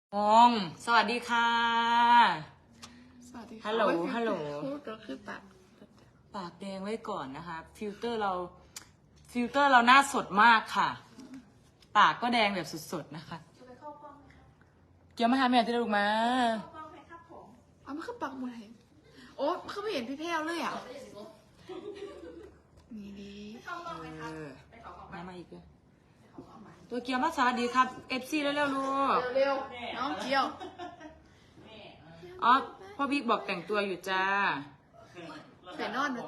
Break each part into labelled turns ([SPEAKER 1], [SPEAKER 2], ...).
[SPEAKER 1] องสวัสดีค่ะ
[SPEAKER 2] สวัสดีค่ะ
[SPEAKER 1] ฮัลโหลฮัลโหล
[SPEAKER 2] พูดก็คือปาก
[SPEAKER 1] ปากแดงไว้ก่อนนะคะ ฟิลเตอร์เราหน้าสดมากค่ะ ปากก็แดงแบบสดๆนะคะเกี่ยวมาหาแม่ที่ลูกมา
[SPEAKER 2] เอามันคือปากหมดเลยโอ้เขาไม่เห็นพี่แพ้วเลยอ่ะนี่ดี
[SPEAKER 1] มาอีกเลยตัวเกียวมาสวัสดีครับเอฟซีเร็วๆลูก
[SPEAKER 2] เร็วๆน้องเกียว
[SPEAKER 1] อ๋อพ่อบิ๊กบอกแต่งตัวอยู่จ้า
[SPEAKER 2] แต่นอนเลย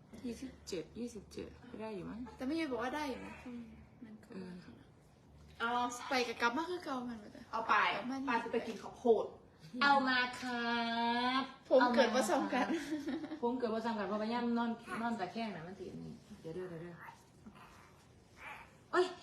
[SPEAKER 1] 27ก็ได้อยู่มั้ง
[SPEAKER 2] แต่ไม่ยอมบอกว่าได้อยู่นะมันก็
[SPEAKER 3] เอา
[SPEAKER 2] ไปกับกลับมาคือเก่ามันเลย
[SPEAKER 3] เอาไปปลาจะไปกินข้าวโพด
[SPEAKER 1] เอามาครับ
[SPEAKER 2] ผมเกิดมาสองกัน
[SPEAKER 1] ผมเกิดว่าซ้ำกันเพราะว่าย่ำนอนตะแคงนะมันติดนี่เดี๋ยวโอ้ย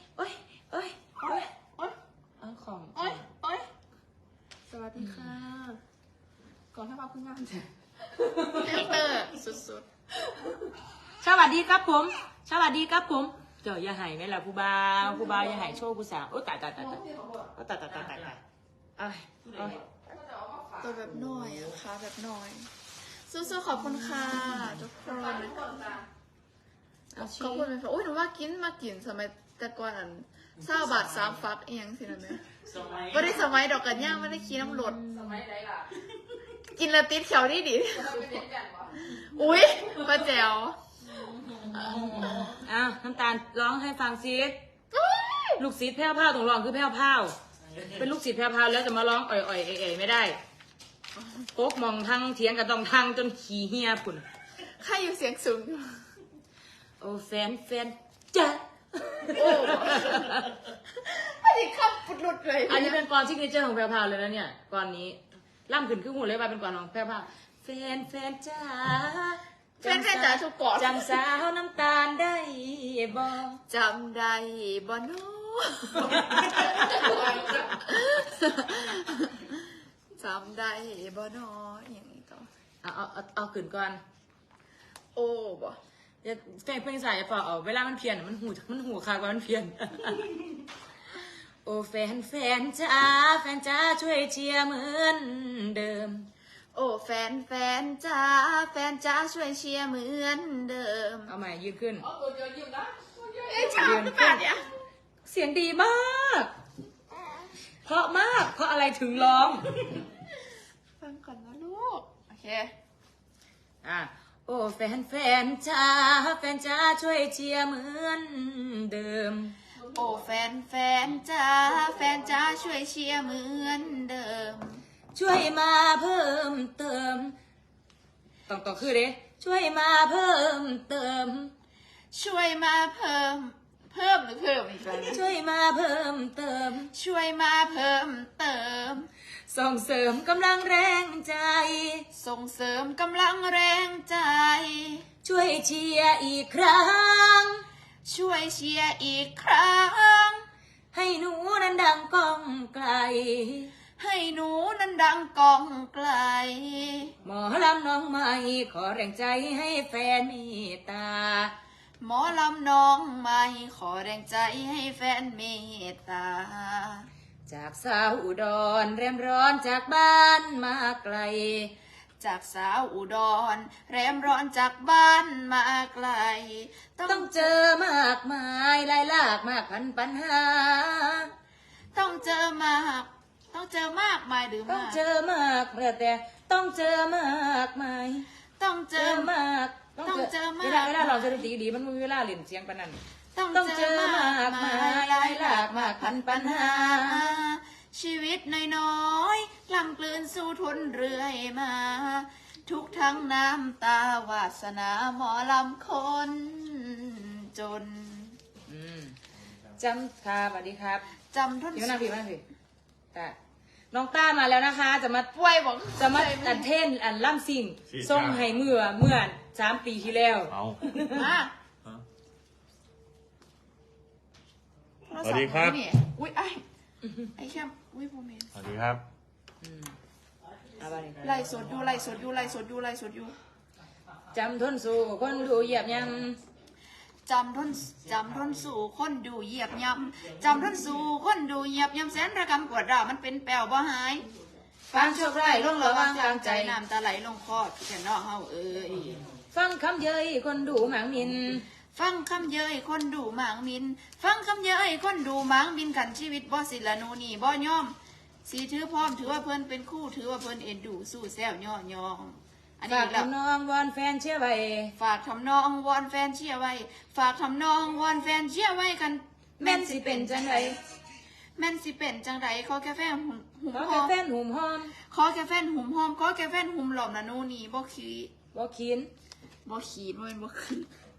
[SPEAKER 1] เอาของ
[SPEAKER 3] โอ๊ยสวัสดีค่ะ ก่อนถ้ามาเพิ่งงานเสร็จ
[SPEAKER 2] ฟิลเตอร์สุด
[SPEAKER 1] สวัสดีครับผมสวัสดีครับผมเจ้าอย่าหายไหมล่ะผู้บ่าวอย่าหายโชว์ผู้สาวโอ้ตายเอ้ย
[SPEAKER 2] ๆตัวแบบน้อยอะขาแบบน้อยสู้ๆขอบคุณค่ะทุกคน
[SPEAKER 1] เอาชี
[SPEAKER 2] ขอบคุณเลยค่ะโอ้ยหนูว่ามากินสมัยแต่ก่อนอัน20 บาท3 ฟักเองสินะแม่ไม่ได้สมัยดอกกันย่างไม่ได้ขี่น้ำรถ
[SPEAKER 3] สมัยไหนล่ะ
[SPEAKER 2] กินแล้วติดเขียวดิ
[SPEAKER 3] เราไปเล่นกันวะ
[SPEAKER 2] อุ้ยป้าแจ๋ว
[SPEAKER 1] อ้าวน้ำตาลร้องให้ฟังซิลูกศิษย์แพ้วพราวต้องร้องคือแพ้วพราวเป็นลูกศิษย์แพ้วพราวแล้วจะมาร้องอ่อยๆเอ๋ๆไม่ได้โป๊กมองทางเถียงกับต้องทางจนขี้เหี้ยปุ่น
[SPEAKER 2] ใครอยู่เสียงสูง
[SPEAKER 1] โอ้แฟนจ้ะ
[SPEAKER 2] โอ้ไม่ได้ขับปุดหลุดเลย
[SPEAKER 1] อันนี้เป็นกลอนซิกเนเจอร์ของแพรวพราวเลยนะเนี่ยกลอนนี้ล่ำขึ้นขึ้นหูเลยว่าเป็นกลอนของแพรวพราวแฟนจ้า
[SPEAKER 2] แฟนจ๋าทุกกอด
[SPEAKER 1] จำสาวน้ำตาลได้บ่
[SPEAKER 2] จำได้บ่โนจำได้บ่โนอย่างนี้ต่อ
[SPEAKER 1] เอาขึ้นก่อน
[SPEAKER 2] โอ้บ่
[SPEAKER 1] เดี๋ยวเพลงสายเปล่าเอาเวลามันเพี้ยนมันหูคากว่ามันเพี้ยน โอ้แฟนจ้าช่วยเชียร์เหมือนเดิม
[SPEAKER 2] โอ้แฟนจ๋าช่วยเชียร์เหมือนเดิม
[SPEAKER 1] เอาใหม่ยืนขึ้น
[SPEAKER 3] เอาตัวเดียวยิ้มนะ
[SPEAKER 2] เอ้ยชาหรือเปล่าเนี่ย
[SPEAKER 1] เสียงดีมาก เพราะมาก เพราะอะไรถึงร้อง
[SPEAKER 2] ฟังก่อนนะลูกโอเค
[SPEAKER 1] โอ้แฟนจ้าช่วยเชียร์เหมือนเดิม
[SPEAKER 2] โอ้แฟนจ๋าช่วยเชียร์เหมือนเดิม
[SPEAKER 1] ช่วยมาเพิ่มเติมต้องคือเด้ช่วยมาเพิ่มเติม
[SPEAKER 2] ช่วยมาเพิ่มหรือเพิ่มอีกแล้ว
[SPEAKER 1] ช่วยมาเพิ่มเติม
[SPEAKER 2] ช่วยมาเพิ่มเติม
[SPEAKER 1] ส่งเสริมกำลังแรงใจ
[SPEAKER 2] ส่งเสริมกำลังแรงใจ
[SPEAKER 1] ช่วยเชียร์อีกครั้ง
[SPEAKER 2] ช่วยเชียร์อีกครั้ง
[SPEAKER 1] ให้หนูนั้นดังก้องไกล
[SPEAKER 2] ให้หนูนั้นดังก้องไกล
[SPEAKER 1] หมอลำน้องใหม่ขอแรงใจให้แฟนเมตตา
[SPEAKER 2] หมอลำน้องใหม่ขอแรงใจให้แฟนเมตตา
[SPEAKER 1] จากสาวอุดรแรมร้อนจากบ้านมาไกล
[SPEAKER 2] จากสาวอุดรแรมร้อนจากบ้านมาไกล
[SPEAKER 1] ต้องเจอมากมายหลายหลากมากพันปัญหา
[SPEAKER 2] ต้องเจอมากมายหรือ
[SPEAKER 1] ต้อง
[SPEAKER 2] มาก
[SPEAKER 1] เจอมากแล้วแต่ต้องเจอมากมาย
[SPEAKER 2] ต้องเจ
[SPEAKER 1] เจ
[SPEAKER 2] อ
[SPEAKER 1] อมาก
[SPEAKER 2] ต้องเจอมาก
[SPEAKER 1] เวลาเราจะดนตรีดีมันไม่มีเวลาเล่นเสียงปานนั้น
[SPEAKER 2] ต้อง
[SPEAKER 1] ต้อง
[SPEAKER 2] เจ
[SPEAKER 1] เจ
[SPEAKER 2] อ
[SPEAKER 1] อ
[SPEAKER 2] มาม
[SPEAKER 1] าก ก
[SPEAKER 2] มาม
[SPEAKER 1] าย ย
[SPEAKER 2] หลายหลาก
[SPEAKER 1] มากพันปัญหา
[SPEAKER 2] ชีวิตน้อยๆกล่ำกลืนสู้ทนเรื่อยมา ทุกทั้งน้ำตาวาสนาหมอลำคนจน
[SPEAKER 1] จำค่ะสวัสดีครับ
[SPEAKER 2] จำทน
[SPEAKER 1] พี่มานั่งพี่แต่น้องต้ามาแล้วนะคะ จะมา
[SPEAKER 2] ป่วยบอก
[SPEAKER 1] จะมาอันเท่นอันล่ำสิ่งส่งให้เมื่อ3 ปีที่แล้ว
[SPEAKER 4] เอา
[SPEAKER 2] มา
[SPEAKER 4] สวัสดีครับ
[SPEAKER 2] อุ้ยไอ้แค่อุ้ยโมเมนต์
[SPEAKER 4] สวัสดีครับ
[SPEAKER 1] เอาไปเลย
[SPEAKER 2] ไล่สดอยู่
[SPEAKER 1] จำทนสู่คนดูเหยียบย
[SPEAKER 2] จำทนสู่คนดูเหยียบย่ำจำทนสู่คนดูเหยียบย่ำแสนระกำปวดร้าวมันเป็นแปลวบ่หายฟังโชคร้ายลงระวังกลางใจน้ำตาไหลลงคอพี่แต่น้องเฮาเอ้ย
[SPEAKER 1] ฟังคำเย้ยคนดูหมางมิน
[SPEAKER 2] ฟังคำเย้ยคนดูหมางมิน ฟังคำเย้ยคนดูหมางมินกันชีวิตบ่สิละนูนี่บ่ยอมสีถือพร้อมถือว่าเพิ่นเป็นคู่ถือว่าเพิ่นเอ็นดูสู้แซวย่อยองอัน
[SPEAKER 1] ฝา
[SPEAKER 2] นี้
[SPEAKER 1] ก
[SPEAKER 2] แล้ว
[SPEAKER 1] ทำนองวอนแฟนเชื่อไว้
[SPEAKER 2] ฝากทำนองวอนแฟนเชียร์ไว้ ฝากทำนองวอนแฟนเชียร์ไว้กัน
[SPEAKER 1] แม่นสิเป็นจังไร
[SPEAKER 2] แม่นสิเป็นจังไรขอแค่แฟนหุ่ม
[SPEAKER 1] ขอ
[SPEAKER 2] ห
[SPEAKER 1] แค่
[SPEAKER 2] อม
[SPEAKER 1] แฟนหุ่มหอม
[SPEAKER 2] ขอแค่แฟนหุ่มหอมขอแค่แฟนหุ่มหลอมละนูนี่บ่ขี้
[SPEAKER 1] บ่ขีน
[SPEAKER 2] บ่ขี้บ่เป็นบ่ขี้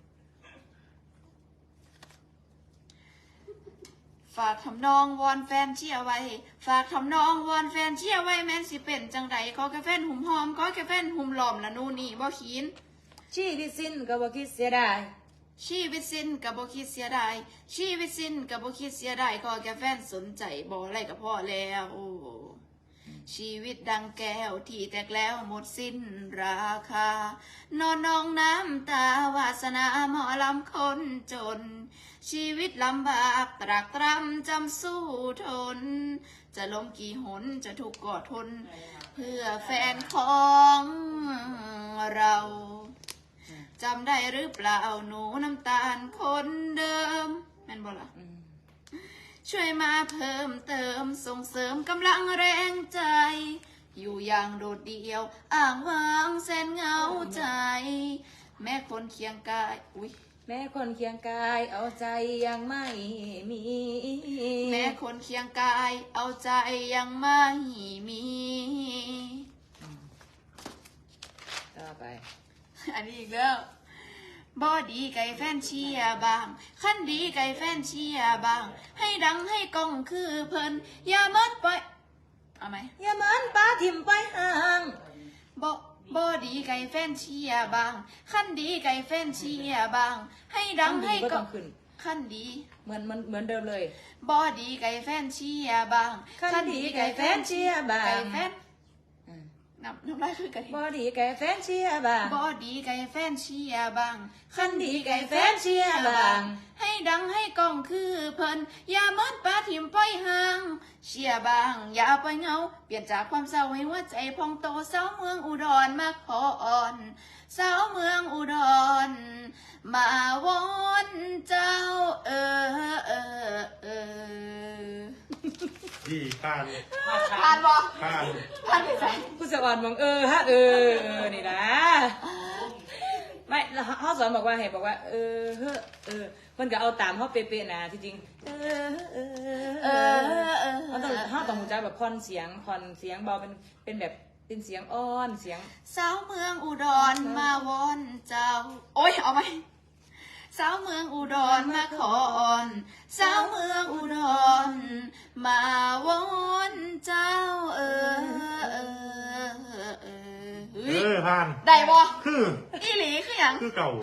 [SPEAKER 2] ฝากทำนองวอนแฟนเชียร์ไว้ ฝากทำนองวอนแฟนเชียร์ไว้แม่นสิเป็นจังไรขอแค่แฟนหุ่มหอมขอแค่แฟนหุ่มหลอมละนูนี่บ่ขี้
[SPEAKER 1] ชีวิตสิ้นก็บ่คิดเสียดาย
[SPEAKER 2] ชีวิตสิ้นกับบ่คิดเสียดายชีวิตสิ้นกับบ่คิดเสียดายขอแค่แฟนสนใจบ่อะไรก็พอแล้วชีวิตดังแก้วที่แตกแล้วหมดสิ้นราคานอนนองน้ำตาวาสนาหมอลำคนจน ชีวิตลำบากตรากตรำจำสู้ทน จะล้มกี่หนจะถูกกอดทน เพื่อแฟนของเราจำได้หรือเปล่าหนูน้ำตาลคนเดิมแม่นบ่ล่ะช่วยมาเพิ่มเติมส่งเสริมกำลังแรงใจ อยู่อย่างโดดเดี่ยวอ้างว้างแสนเหงาใจ แม่คนเคียงกายอุ๊ย
[SPEAKER 1] แม้คนเคียงกายเอาใจยังไม่มี
[SPEAKER 2] แม่คนเคียงกายเอาใจยังไม่มี
[SPEAKER 1] ต่อไป
[SPEAKER 2] อันนี้อีกแล้วบอดีไก่แฟนเชียร์บางขั้นดีไก่แฟนเชียร์บาง ให้ดังให้กล้องคือเพิ่นอย่ามันไปเอาไหม
[SPEAKER 1] อย่าเหมือนปลาถิ่มไปห่าง
[SPEAKER 2] บอดีไก่แฟนเชียร์บางขั้นดีไก่แฟนเชียร์บาง ให้ดังให้
[SPEAKER 1] ก็
[SPEAKER 2] กล้
[SPEAKER 1] ต้
[SPEAKER 2] อ
[SPEAKER 1] อง งขึ้น
[SPEAKER 2] ขั้นดี
[SPEAKER 1] เหมือนเดิมเลย
[SPEAKER 2] บอดีไก่แฟนเชียร์บาง
[SPEAKER 1] ขั้นดีไก่แฟนเชียร์บาง
[SPEAKER 2] ไก่แฟนน้ำลายคือไก่
[SPEAKER 1] บอดีไก่แฟนเชียร์บาง
[SPEAKER 2] บอดีไก่แฟนเชียร์บาง
[SPEAKER 1] ขั้นดีไก่แฟนเชียร์บาง
[SPEAKER 2] ให้ดังให้กล้องคือเพิ่นอย่ามันปลาถิ่มไปห่างเชียร์บางอย่าไปเหงาเปลี่ยนจากความเศร้าให้หัวใจพองโตสาวเมืองอุดรมาขออ่อนสาวเมืองอุดรมาวอนเจ้า
[SPEAKER 4] ดีผ่าน
[SPEAKER 2] ผ่านบ่
[SPEAKER 4] ผ่าน
[SPEAKER 2] ผ่านไปใส่
[SPEAKER 1] ผู้สอนบอกฮะนี่นะไม่เขาสอนบอกว่าให้บอกว่าเพิ่นก็เอาตามเขาเป๊ะๆนะที่จริงเขาต้องหูใจแบบผ่อนเสียงเบาเป็นแบบเป็นเสียงอ้อนเสียง
[SPEAKER 2] สาวเมืองอุดรมาวอนเจ้าโอ้ยเอาไหมสาวเมืองอุดรมาขออ่อนสาวเมืองอุดรมาวอนเจ้า
[SPEAKER 4] ผ่าน
[SPEAKER 2] ได้บ่
[SPEAKER 4] คือ
[SPEAKER 2] อีหลีคือหยัง
[SPEAKER 4] คือเก่า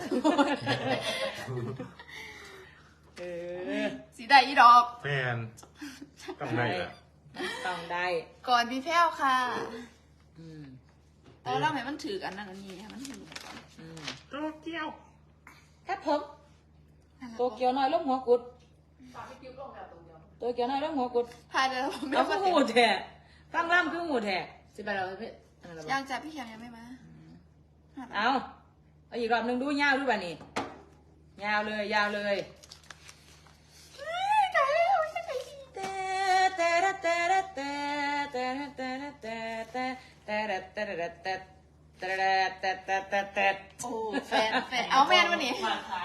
[SPEAKER 2] สีได้อีดอก
[SPEAKER 4] แฟนกำไรละ
[SPEAKER 1] ต้องได้
[SPEAKER 2] ก่อนพี่แพ้วค่ะ
[SPEAKER 1] อืม
[SPEAKER 2] แต่เราให้มันถือกันนั่นอันนี้ให้มันถือกัน
[SPEAKER 4] โตเกียว
[SPEAKER 1] ครับผมโตเกียวน้อยลงหัวกุดโตเกียวน้อยลงหัวกุด
[SPEAKER 2] พายเดี๋ยวผมไม่
[SPEAKER 1] เอา
[SPEAKER 2] มา
[SPEAKER 1] คือหูแท้ฟังล่ำคือหูแท้
[SPEAKER 3] สิไปเราเพื่อน
[SPEAKER 2] ยังจับพี่เขียงยังไม่มา
[SPEAKER 1] เอาอีกรอบหนึ่งดูยาวดูป่ะนี่ยาวเลย
[SPEAKER 2] โอ้แฟนเอาแฟนวันนี้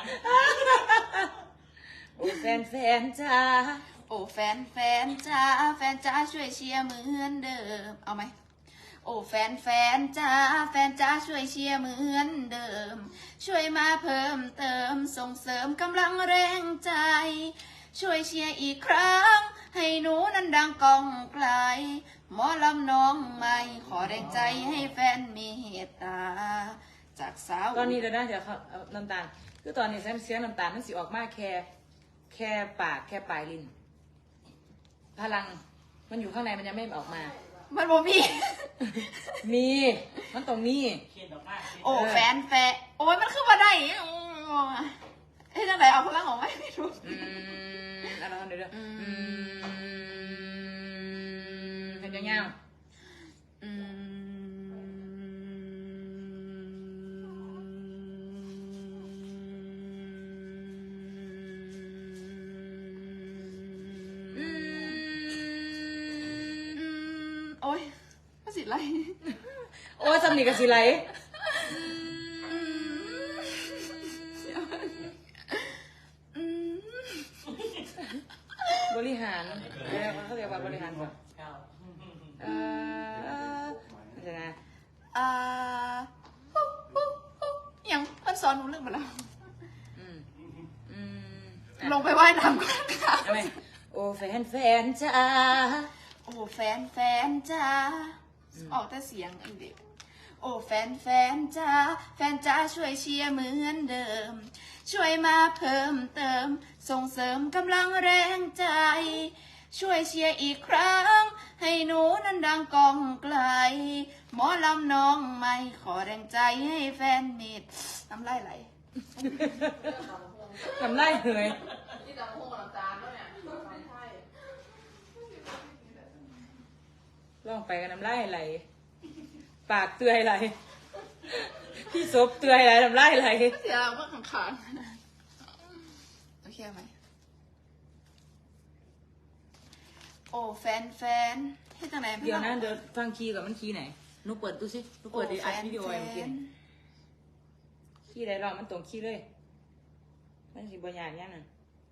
[SPEAKER 1] โอ้แฟนจ้า
[SPEAKER 2] โอ้แฟนจ้าแฟนจ้าช่วยเชียร์เหมือนเดิมเอาไหมโอ้แฟนจ้าช่วยเชียร์เหมือนเดิม ช่วยมาเพิ่มเติมส่งเสริมกำลังแรงใจ ช่วยเชียร์อีกครั้งให้หนูนั้นดังก้องไกลหมอลำน้องใหม่ขอแรงใจให้แฟนมีเมตตา จากสาว
[SPEAKER 1] ตอนนี้เดี๋ยวนะเดี๋ยวน้ำตาลคือตอนนี้เสียงน้ำตาลมันสิออกมาแค่ปากแค่ปลายลิ้นพลังมันอยู่ข้างในมันยังไม่ออกมา
[SPEAKER 2] มันบ่มี
[SPEAKER 1] มีมันต้องมี
[SPEAKER 2] โอ้แฟนโอ้ยมันคือมาได้เฮ้ยจังไหนเอาพลังออกไหมไม่รู้
[SPEAKER 1] อะไรกันเดี๋ยวเห็นยังไง
[SPEAKER 2] โอ้ยภาษีไร
[SPEAKER 1] โอ้ยสำนีกับสิไหลบริหารเขาเรียกว่าบริหารก่อนเดี๋ยวนะ
[SPEAKER 2] ยังเพื่อนสอนหนูเรื่องมาแล้ว
[SPEAKER 1] อืม
[SPEAKER 2] ลงไปว่ายน้ำก่อนค่ะ
[SPEAKER 1] ทำไมโอ้แฟนจ้า
[SPEAKER 2] โอ้แฟนจ้าออกแต่เสียงอันเดียวโอ้แฟนจ้าแฟนจ้าช่วยเชียร์เหมือนเดิม ช่วยมาเพิ่มเติม ส่งเสริมกำลังแรงใจ ช่วยเชียร์อีกครั้ง ให้หนูนั้นดังกองไกล หมอลำน้องไม่ขอแรงใจให้แฟนมิดน้ำลายไหล
[SPEAKER 1] ทำไรเหยลองไปกันน้ำลายไหลปากเตือยไหลพี่ซบเตือยไหลน้ำลายไหล
[SPEAKER 2] เสียงว่าขังๆโอเคไหมโอ้แฟนให้จังไหน
[SPEAKER 1] เดี๋ยวนะเดี๋ยวฟังคีย์ก่อนมันคีย์ไหนนุกเปิดดูสินุกเปิดดีอัดวิดีโอไอ้เมื่อกี้คีย์ใดลองมันตรงคีย์เลยมันสิบอย่างนี้น่ะ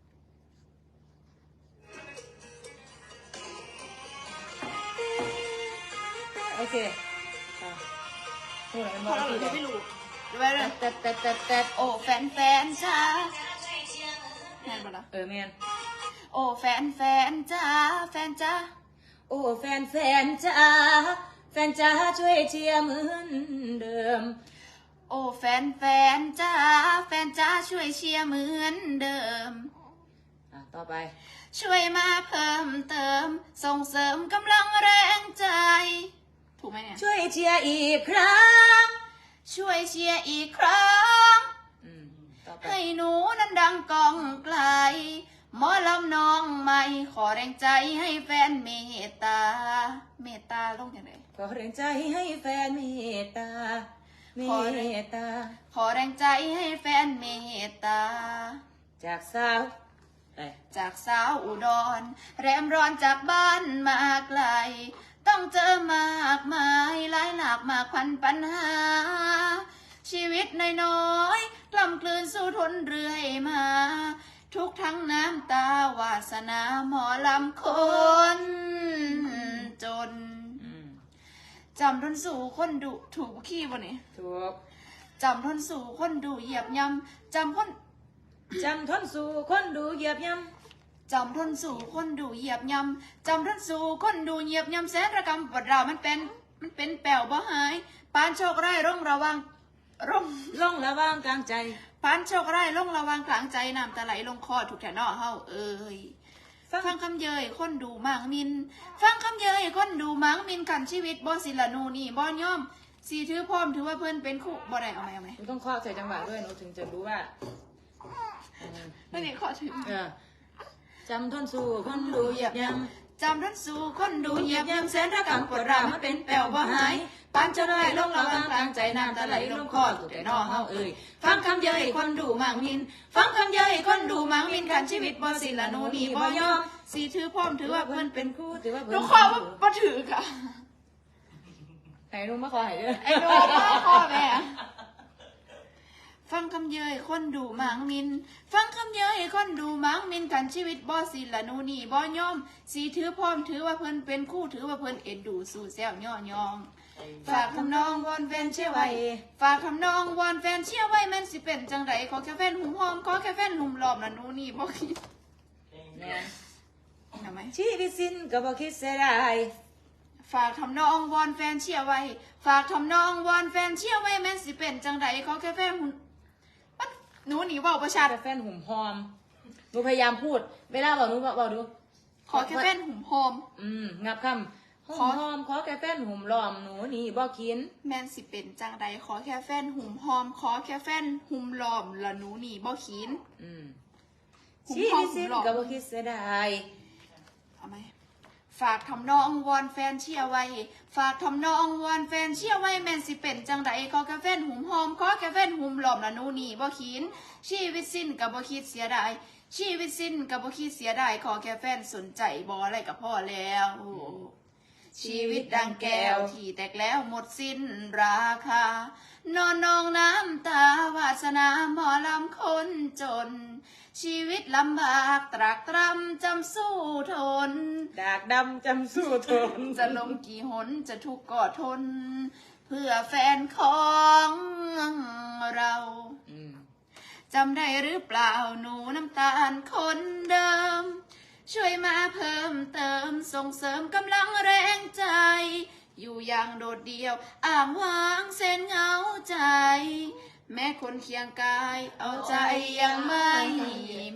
[SPEAKER 1] โอเคพูดอะไร
[SPEAKER 2] พ
[SPEAKER 1] มั
[SPEAKER 2] อน เรา
[SPEAKER 1] คีย์ไหน
[SPEAKER 2] ไม่รู้ไว้เลย
[SPEAKER 1] แต่
[SPEAKER 2] โอ้แฟนจ้าแม่นบ่ล่ะ
[SPEAKER 1] แมน
[SPEAKER 2] โอ้แฟนจ้า
[SPEAKER 1] โอ้แฟนจ้าแฟนจ้าช่วยเชียร์เหมือนเดิม
[SPEAKER 2] โอ้แฟนจ้าแฟนจ้าช่วยเชียร์เหมือนเดิม
[SPEAKER 1] ต่อไป
[SPEAKER 2] ช่วยมาเพิ่มเติม ส่งเสริมกำลังแรงใจ ถูกไหมเนี่ย
[SPEAKER 1] ช่วยเชียร์อีกครั้ง
[SPEAKER 2] ช่วยเชียร์อีกครั้ง
[SPEAKER 1] ต่อไป
[SPEAKER 2] ให้หนูนั้นดังกองไกล หมอลำน้องใหม่ขอแรงใจให้แฟนเมตตา เมตตาลงอย่างไร
[SPEAKER 1] ขอแรงใจให้แฟนเมตตาเมตตา
[SPEAKER 2] ขอแรงใจให้แฟนเมตตา
[SPEAKER 1] จากสาวไป
[SPEAKER 2] จากสาวอุดร แรมร้อนจากบ้านมาไกล ต้องเจอมากมายหลายหลากมากพันปัญหา ชีวิตน้อยๆกล่ำกลืนสู้ทนเรื่อยมา ทุกทั้งน้ำตาวาสนาหมอลำคนจน จำทนสู่คนดุถูกขี้บ่เนี่ย
[SPEAKER 1] ถูก
[SPEAKER 2] จำทนสู่คนดุเหยียบยำจำทน
[SPEAKER 1] จำทนสู่คนดูเหยียบย่
[SPEAKER 2] จำทนสู่คนดูเหยียบยำจำทนสู่คนดูเหยียบยำแสนระกำปวดเราวมันเป็นแป๋วบ่หายปานโชคร้ายร่องระวังร่อง
[SPEAKER 1] ำล่องระวางกลางใจ
[SPEAKER 2] ปานโชคร้ายร่องระวังกลางใจน้ำตาไหลลงคอถูกแถนอเฮาเอ้ยฟังคำเยยคนดูมังมิน ฟังคำเยยคนดูมังมินกันชีวิตบ่สิละนูนี่บ่ย่อมสีถือพร้อมถือว่าเพื่อนเป็นคู่บ่ได้เอาไหม
[SPEAKER 1] หนูต้องเคาะใส่จังหวะด้วยหนูถึงจะรู้ว่า
[SPEAKER 2] ไม่ได้ขอถึง
[SPEAKER 1] จำทนสู่คนดูเหยียบย่
[SPEAKER 2] จำทนสู่คนดูเหยียบยำแสนระกำปวดเราวมันเป็นแป๋วบ่หายปานโชคร้ายร่องระวังกลางใจน้ำตาไหลลงคอถูกแถนอเฮาเอ้ยฟังคำเยยคนดูมังมิน ฟังคำเยยคนดูมังมินกันชีวิตบ่สิละนูนี่บ่ย่อมสีถือพร้อมถือว่าเพื่อนเป็น
[SPEAKER 1] ำคู่ถือว่า
[SPEAKER 2] ลูกคอว่าบ่ถือค่ะ
[SPEAKER 1] ไหนลุงมาขอให้ด้วย
[SPEAKER 2] ไอ้โดนมาคอแม่ฟังคำเยยคนดูมังมิน ฟังคำเยยคนดูมังมินกันชีวิตบ่สิละนูนี่บ่ย่อมสีถือพร้อมถือว่าเพื่อนเป็นคู่ถือว่าเพื่อนเอ็นดูสู่แซวย่อยองฝากทำนองวอนแฟนเชื่อไว้ฝากทำนองวอนแฟนเชื่อไว้แม่นสิเป็นจังไรขอแค่แฟนหุ่มหอมขอแค่แฟนหุ่มหลอมละนูนี่บ่คิด
[SPEAKER 1] เนี่ย
[SPEAKER 2] ทำไหม
[SPEAKER 1] ชีวิตสิ้นก็บอกคิดเสียดาย
[SPEAKER 2] ฝากทำนองวอนแฟนเชื่อไว้ฝากทำนองวอนแฟนเชื่อไว้แม่นสิเป็นจังไรขอแค่แฟนหุ่มปั๊ดหนูหนีเว่าประชา
[SPEAKER 1] แต่แฟนหุ่มหอมหนูพยายามพูด เวลาบอกหนูบอกดู
[SPEAKER 2] ขอแค่แฟนหุ่มหอม
[SPEAKER 1] งับคำหอมขอแค่แฟนหุ่มล้อมหนูนี่บ่กิน
[SPEAKER 2] แม่นสิเป็นจังใดขอแค่แฟนหุ่มหอมขอแค่แฟนหุ่มล้อมละหนูนี่บ่ขิน หุ่ม
[SPEAKER 1] ชี
[SPEAKER 2] หอม
[SPEAKER 1] วิตสิ้น
[SPEAKER 2] หุ่มล้อม
[SPEAKER 1] ก็บ่คิดเสียดาย
[SPEAKER 2] เอาไหมฝากทำนองวอนแฟนเชียร์ไว้ฝากทำนองวอนแฟนเชียร์ไว้แม่นสิเป็นจังใดขอแค่แฟนหุ่มหอมขอแค่แฟนหุ่มล้อมละหนูนี่บ่ขินชีวิตสิ้นก็บ่คิดเสียดายชีวิตสิ้นก็บ่คิดเสียดายขอแค่แฟนสนใจบ่อะไรก็พอแล้ว ชีวิตดังแก้วที่แตกแล้วหมดสิ้นราคานอนนองน้ำตาวาสนาหมอลำคนจน ชีวิตลำบากตรากตรำจำสู้ทน
[SPEAKER 1] ดากดำจำสู้ทน
[SPEAKER 2] จะลมกี่หนจะทุกข์ก็ทน เพื่อแฟนของเรา จำได้หรือเปล่าหนูน้ำตาลคนเดิม ช่วยมาเพิ่มเติมส่งเสริมกำลังแรงใจ อยู่อย่างโดดเดี่ยวอ้างว้างเส้นเหงาใจ แม้คนเคียงกายเอาใจยังไม่มี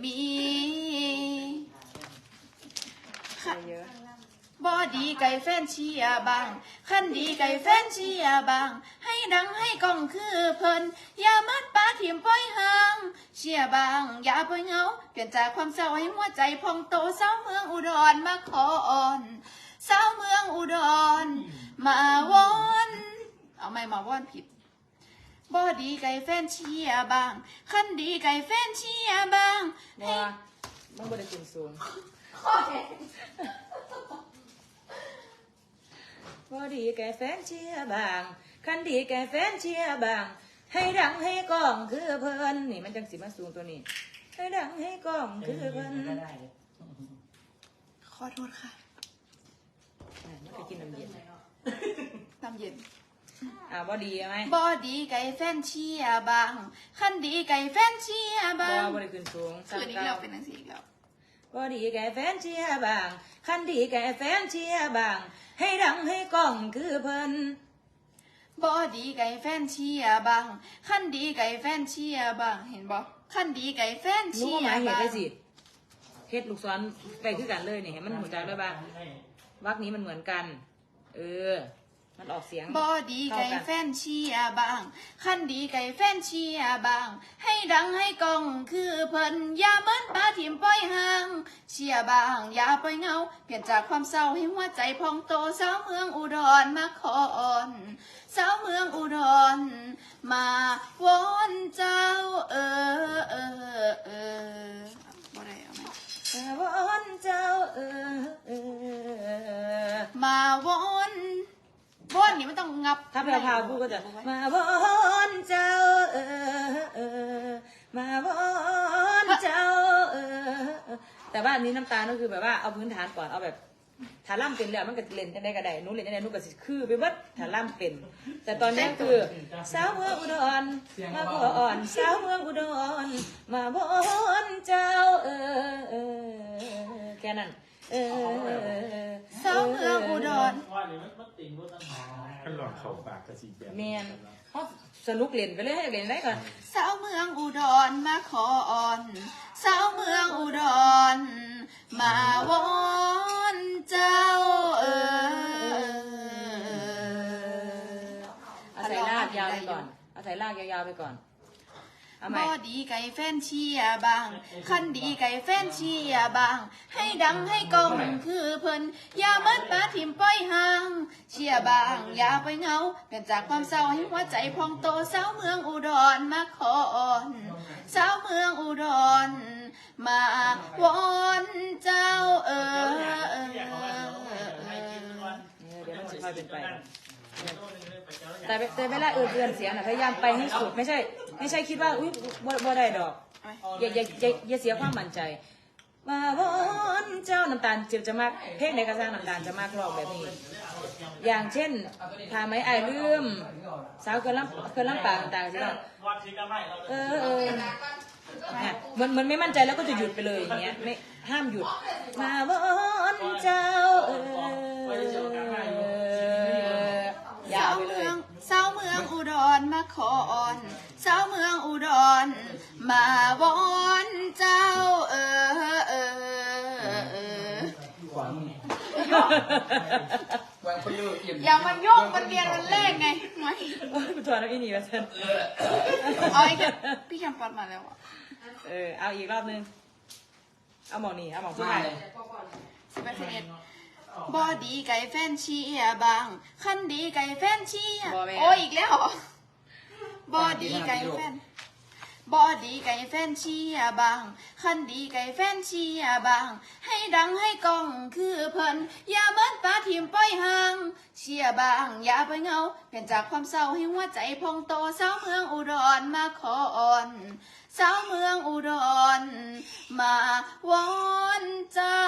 [SPEAKER 1] เยอะ
[SPEAKER 2] บอดีไก่แฟนเชียร์บางขั้นดีไก่แฟนเชียร์บาง ให้ดังให้กล้องคือเพิ่นอย่ามัดปลาถิ่มปล่อยห่างเชียร์บางอย่าปล่อยเหงาเปลี่ยนจากความเศร้าให้หัวใจพองโตสาวเมืองอุดรมาขออ่อนสาวเมืองอุดรมาวอนเอาไม่มาวอนผิดบอดีไก่แฟนเชียร์บางขั้นดีไก่แฟนเชียร์บาง
[SPEAKER 1] บ่มันบ่ได้ขึ้นสูงบ่ดีแก่แฟนเชียร์บางคันดีแก่แฟนเชียร์บาง ให้ดังให้กล้องคือเพิ่นนี่มันจังสิมาสูงตัวนี้ ให้ดังให้กล้องคือเพิ่น
[SPEAKER 2] ขอโทษค่ะ
[SPEAKER 1] มันก็กินน้ำเย็น
[SPEAKER 2] น้ำเย็น
[SPEAKER 1] บ่ดีไหม
[SPEAKER 2] บอดีไก่แฟนเชียร์บางขั้นดีไก่แฟนเชียร์บาง
[SPEAKER 1] บ่ได้ขึ้นสูง
[SPEAKER 2] คืนนี้เราเป็นหนังสืออีกแล้ว
[SPEAKER 1] บ่ดีแก่แฟนเชียร์บางคันดีแก่แฟนเชียร์บาง ให้ดังให้กล้องคือเพิ่น
[SPEAKER 2] บอดีไก่แฟนเชียร์บางขั้นดีไก่แฟนเชียร์บางเห็นบ่ขั้นดีไก่แฟน
[SPEAKER 1] รู้
[SPEAKER 2] เชี
[SPEAKER 1] ว่าย หมาย
[SPEAKER 2] ร์
[SPEAKER 1] เหตุ
[SPEAKER 2] บาง
[SPEAKER 1] ได้สิเฮ็ดลูกศรไปคือกันเลยนี่เห็นมันหัวใจด้วยบ้างวรรคนี้มันเหมือนกัน มันออกเสียง
[SPEAKER 2] บอดีไก่แฟนเชียร์บางขั้นดีไก่แฟนเชียร์บาง ให้ดังให้กล้องคือเพิ่นอย่าเหมือนปลาถิ่มปล่อยห่างเชียร์บางอย่าปล่อยเหงาเปลี่ยนจากความเศร้าให้หัวใจพองโตสาวเมืองอุดรมาขออ่อนสาวเมืองอุดรมาวอนเจ้าบ่ได้เอาไหม
[SPEAKER 1] วอนเจ้า
[SPEAKER 2] มาวอนวอนนี่มันต้องงับ
[SPEAKER 1] ถ้าแพรวพราวพูดก็จะมาวอนเจ้า มาวอนเจ้า แต่ว่าอันนี้น้ำตาลก็คือแบบว่าเอาพื้นฐานก่อนเอาแบบฐานล่ำเป็นแล้วมันก็เล่นกันได้ก็ได้นู้นเล่นได้นู้นก็สิคือไปวัดฐานล่ำเป็น แต่ตอนนี้คือสาวเมืองอุดรมาขออ่อนสาวเมืองอุดรมาวอนเจ้าแค่นั้น
[SPEAKER 2] สาวเมืองอุดร
[SPEAKER 4] ขั้นหลอดเข่าปากกระสีแบบ
[SPEAKER 1] เมียนเขาสนุกเล่นไปเลยให้เล่นได้ก่อน
[SPEAKER 2] สาวเมืองอุดรมาขออ่อนสาวเมืองอุดรมาวอนเจ้า
[SPEAKER 1] เอาใส่ลากยาวไปก่อนเอาใส่ลากยาวๆไปก่อนเอาให
[SPEAKER 2] บ
[SPEAKER 1] ม่
[SPEAKER 2] อดีไก่แฟนเชียร์บางคันดีไก่แฟนเชียร์บาง ให้ดังให้กล้องคือเพิ่นอย่าเหมือนปลาถิ่มปล่อยห่างเชียร์บางอย่าไปเหงาเปลี่ยนจากความเศร้าให้หัวใจพองโตสาวเมืองอุดรมาขออ่อนสาวเมืองอุดรมาวอนเจ้า
[SPEAKER 1] เดี๋ยวมันจะค่อยเป็นไปแต่เวลาเอื้อนเสียงนะพยายามไปให้สุดไม่ใช่คิดว่าอุ้ยบ่ได้ดอกอย่าเสียความมั่นใจมาวอนเจ้าน้ำตาลจะมากเพลงในกระซังน้ำตาลจะมากรอบแบบนี้อย่างเช่นทาไม้ไอายลืมสาวเกินลำปางต่างๆจะมันไม่มั่นใจแล้วก็จะหยุดไปเลยอย่างเงี้ยไม่ห้ามหยุดมาวอนเจ้ายาวไปเลย
[SPEAKER 2] สาวเมืองอุดรมาขออ่อนสาวเมืองอุดรมาวอนเจ้า
[SPEAKER 1] บ
[SPEAKER 5] คนเลือกเอี่ยม
[SPEAKER 2] อย่ามาโยกมันเรียนวันแรกไงไม่
[SPEAKER 1] กูถอดแล้วอีนี่มาเซน
[SPEAKER 2] เอาอีกแล้วพี่แคมปัดมาแล้วอ่ะ
[SPEAKER 1] เอาอีกรอบนึงเอาหมองนี่เอาหมองสุด
[SPEAKER 5] มา
[SPEAKER 1] ท้าย
[SPEAKER 5] เลย
[SPEAKER 2] 11บอดีไก่แฟนเชียร์บางคันดีไก่แฟนเชียร์โอ้ยอีกแล้วเหรอบอดีไก่แฟนบอดีไก่แฟนเชียร์บางคันดีไก่แฟนเชียร์บางให้ดังให้กล้องคือเพิ่นอย่าเหมือนปลาทิมปล่อยห่างเชียร์บางอย่าไปเหงาเปลี่ยนจากความเศร้าให้หัวใจพองโตสาวเมืองอุดรมาขออ่อนสาวเมืองอุดรมาวอนเจ้า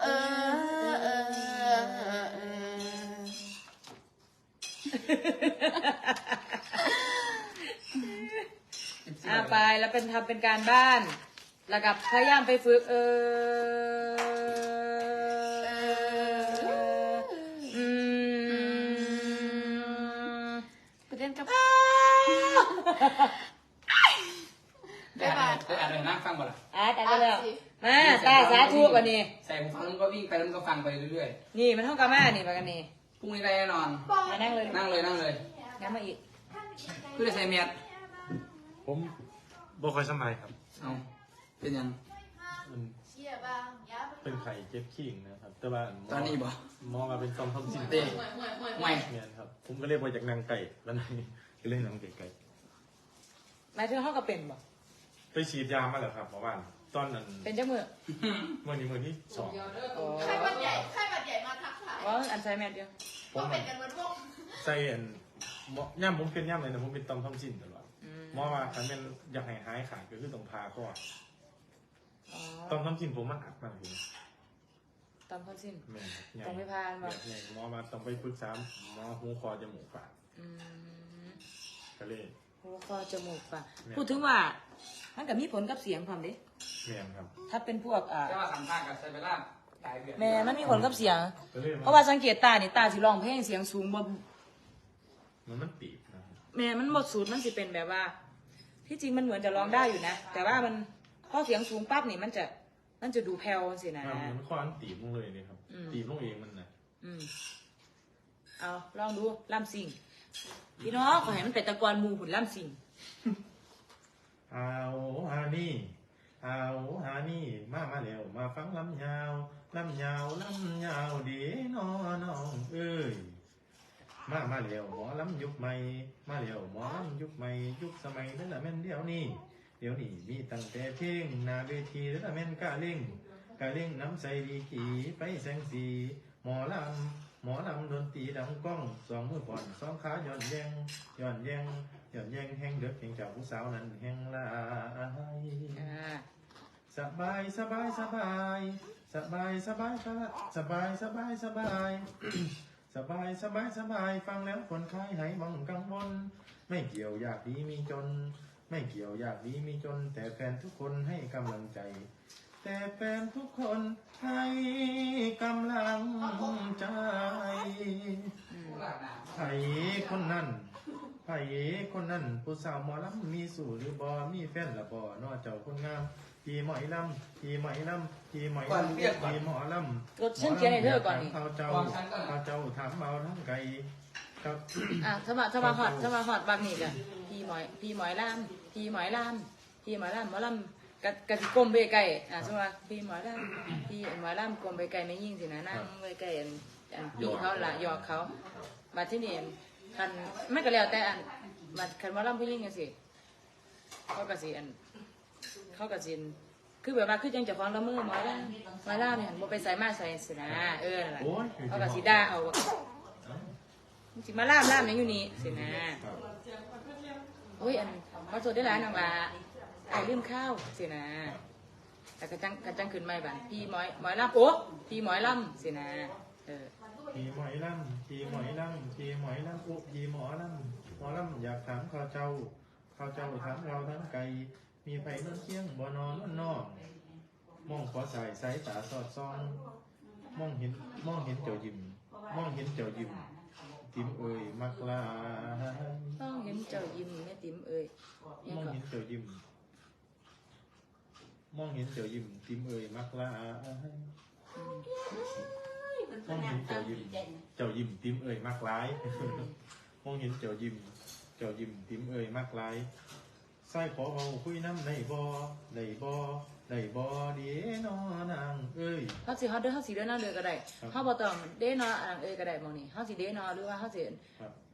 [SPEAKER 1] ไปแล้วเป็นทำเป็นการบ้าน แล้วกับพยายามไปฝึก
[SPEAKER 2] ไปเล่นกับ
[SPEAKER 5] ได้อ่านเลยนะฟังบ่ล่ะ
[SPEAKER 1] อ่ะได้แล้วมาตาสาธุวันนี้
[SPEAKER 5] ใส่หูฟังแล้วก็วิ่งไปแล้วก็ฟังไปเรื่อย
[SPEAKER 1] นี่มันเท่ากับแม่นี่มากันนี่
[SPEAKER 5] ๆพรุ่งนี้ได้แน่นอน
[SPEAKER 1] มานั่งเลย
[SPEAKER 5] นั่งเลยนั่งเลย
[SPEAKER 1] งั้นมาอีก
[SPEAKER 5] เพื่อใส่เมียด
[SPEAKER 4] ผมบ่ค่อยสบายครับ
[SPEAKER 5] เอาเป็นยัง
[SPEAKER 4] มัน
[SPEAKER 2] เชียร์บางอย่าไป
[SPEAKER 4] เป็นไข่เจ็บขี้งนะครับ แต่ว่า
[SPEAKER 5] ตอนนี้บ่
[SPEAKER 4] หมอมาเป็นต้อมทำสิ่ง
[SPEAKER 5] เต้ไม่
[SPEAKER 4] เนี่ยครับ ผมก็เลยไปจากนางไก่แล้วนี่ก็เลยนางไก่
[SPEAKER 1] หมายถึงเท่ากับเป็นบ่
[SPEAKER 4] ไปฉีดยามาแล้วครับเมื่อวานตอนนั้น
[SPEAKER 1] เป็นเจ้ามือ
[SPEAKER 4] มื่อนี้มือที่สอง
[SPEAKER 1] อ๋อ
[SPEAKER 2] ไข้หวัดใหญ่มาทักทาย
[SPEAKER 1] ว่าอันใช้แม่เดียว
[SPEAKER 4] ผม
[SPEAKER 2] เป็นกันเหมือนพวก
[SPEAKER 4] ใส่อันย่ำผมเป็นย่ำเลยนะผมเป็นต้อมทำสิ่งตลอดหมอว่าคันเป็นอยากให้หายขาดก็คือต้องพาข้อ
[SPEAKER 1] อ๋อ
[SPEAKER 4] ต้อมทำสิ่งผมมันอักมากเลย
[SPEAKER 1] ตอนพ้นสิ้น
[SPEAKER 4] แม่นครับใหญ่
[SPEAKER 1] ต้องไปพาบ่
[SPEAKER 4] ใหญ่หมอมาต้องไปปรึกษาหมอหูคอจมูกปาก
[SPEAKER 1] อืม
[SPEAKER 4] ก็เลย
[SPEAKER 1] หัวคอจมูกปาก
[SPEAKER 4] แม่
[SPEAKER 1] พูดถึงว่ามันก็มีผลกับเสียงความดิ
[SPEAKER 4] แม่นครับ
[SPEAKER 1] ถ้าเป็นพวก
[SPEAKER 5] แต่ว่าสัมภาษณ์กับไซเบล่าหลายเดือน
[SPEAKER 1] แม่มันมีผลกับเสียง
[SPEAKER 4] ก็เลย
[SPEAKER 1] เพราะว่าสังเกตตานี่ตาสิร้องเพลงเสียงสูงบ่
[SPEAKER 4] มันตีบนะครับ
[SPEAKER 1] แม่มันหมดสูตรมันสิเป็นแบบว่า ที่จริงมันเหมือนจะร้องได้อยู่นะ แต่ว่ามันพอเสียงสูงปั๊บนี่มันจะดูแผ่วสินะ
[SPEAKER 4] มันข้อมันตีบลงเลยนี่ครับ
[SPEAKER 1] อืม
[SPEAKER 4] ตีบลงเองมันนะ
[SPEAKER 1] อืมเอาลองดูล่ำสิงพี่น้องขอให้มันเป็นตะกอนหมูหุ่นล่ำสิง
[SPEAKER 4] เอาฮานี่เอาฮานี่มาแล้วมาฟังลำยาวลำยาวลำยาวดีน้องเอ้ยมาแล้วหมอลำยุคใหม่มาแล้วหมอลำยุคใหม่ยุคสมัยนั่นแหละแม่นเดี๋ยวนี้มีตั้งแต่เพลงหน้าเวทีนั่นแหละแม่นกะเล่งน้ำใสดีกีไปแสงสีหมอลำดนตรีดังก้องสองมือผ่อนสองขาย่อนแยงแห้งเด็กแห่งเจ้าผู้สาวนั้นแห่งลาย สบายสบายสบายสบายสบายสบายสบายสบายสบายสบายสบายสบายฟังแล้วคนคลายหายมองกังวลไม่เกี่ยวอยากดีมีจน ไม่เกี่ยวอยากดีมีจน แต่แฟนทุกคนให้กำลังใจ แต่แฟนทุกคนให้กำลังใจไผ่คนนั้นไผ่คนนั้นผู้สาวหมอลำมีสู่หรือบ่มีแฟนละบ่นอเจ้าคนงามพี่หมอยลำพี่หมอยลำพี่หมอยลำพี่หมอลำ
[SPEAKER 1] รถฉันเขียนให้เธอก่อนนี่
[SPEAKER 4] เขาเจ้าถามเอาทั้งไก่ครับ
[SPEAKER 1] อ่ะถ้ามาหอดบางนี่กันพี่หมอยล่ำหมอลำกะสิกลมไปไก่สมมติว่าพี่หมอยล่ำกลมไปไก่ไม่ยิ่งสินะนั่งไปไก่อันปีเขาละหยอกเขามาที่นี่คันไม่ก็แล้วแต่อันมาคันหมอลำผู้ยิ่งกันสิเขากะสิคือแบบว่าคือจังจะฟ้องละมือหมอยล่ำเนี่ยบ่ไปใส่มาใส่สินะนั่นแหละเขากะสิด่าเอาสิมาล่ามยังอยู่นี่สินะโอ้ยอันมาสดได้หลายนางละไอ้ลืมข้าวสินะแต่กระจังขึ้นไม่บันพี่หมอยล่ำโอ้พี่หมอยล่ำสินะ
[SPEAKER 4] พี่หมอยลำพี่หมอยลำพี่หมอยลำอุพี่หมอลำอยากถามข้าเจ้าถามเราทั้งไก่มีไผ่นอนเคียงบ่นอนนอกมองขอสายตาสอดส่องมองเห็นเจ้ายิ้มติ๋มเอ่ยมักลา
[SPEAKER 1] ต้องเห็นเจ้ายิ้มแม่ติ๋มเอ่ย
[SPEAKER 4] มองเห็นเจ้ายิ้มติ๋มเอ่ยมักลามองเห็นเจ้ายิ้มเจ้ายิ้มติ้มเอ่ยมากร้ายมองเห็นเจ้ายิ้มติ้มเอ่ยมากร้ายใส่ขอเมาคุยน้ำในบ่ในบ่ในบ่ดีนอนางเอ้ย
[SPEAKER 1] เขาสิเด้อเขาสิเด้อนางเด้อก็ได้เขาบ่ต้องเด้อนอนางเอ้ยก็ได้หมองนี่เขาสิเด้อนอหรือว่าเขาสิ
[SPEAKER 4] ครับ